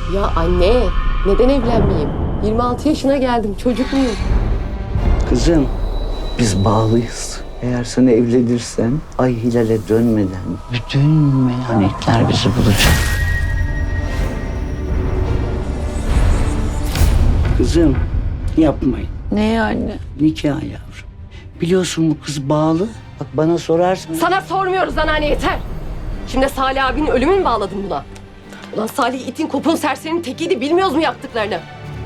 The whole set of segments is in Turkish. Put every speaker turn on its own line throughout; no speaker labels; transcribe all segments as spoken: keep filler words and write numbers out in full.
Ya anne, neden evlenmeyeyim? yirmi altı yaşına geldim, çocuk muyum?
Kızım, biz bağlıyız. Eğer sen evlenirsen ay hilale dönmeden bütün meyhanetler bizi bulacak. Kızım, yapmayın.
Ne anne?
Nikah yavrum. Biliyorsun bu kız bağlı. Bak bana sorarsın.
Sana sormuyoruz anneanne, yeter. Şimdi Salih abinin ölümünü mü bağladın buna? Ulan Salih itin kopun serserinin tekiydi, bilmiyoruz mu yaptıklarını?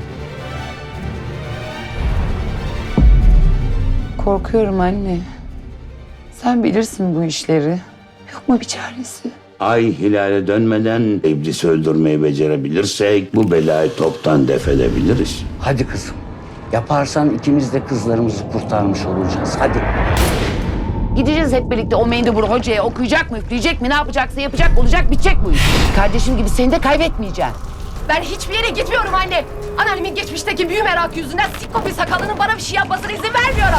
Korkuyorum anne. Sen bilirsin bu işleri. Yok mu bir çaresi?
Ay hilale dönmeden iblisi öldürmeyi becerebilirsek bu belayı toptan def edebiliriz.
Hadi kızım. Yaparsan ikimiz de kızlarımızı kurtarmış olacağız. Hadi.
Gideceğiz hep birlikte o mendebur hocaya, okuyacak mı, üfleyecek mi, ne yapacaksa yapacak, olacak, bitecek bu iş. Kardeşim gibi seni de kaybetmeyeceğim.
Ben hiçbir yere gitmiyorum anne. Anneannemin geçmişteki büyü merakı yüzünden sikko bir sakalının bana bir şey yapmasına izin vermiyorum.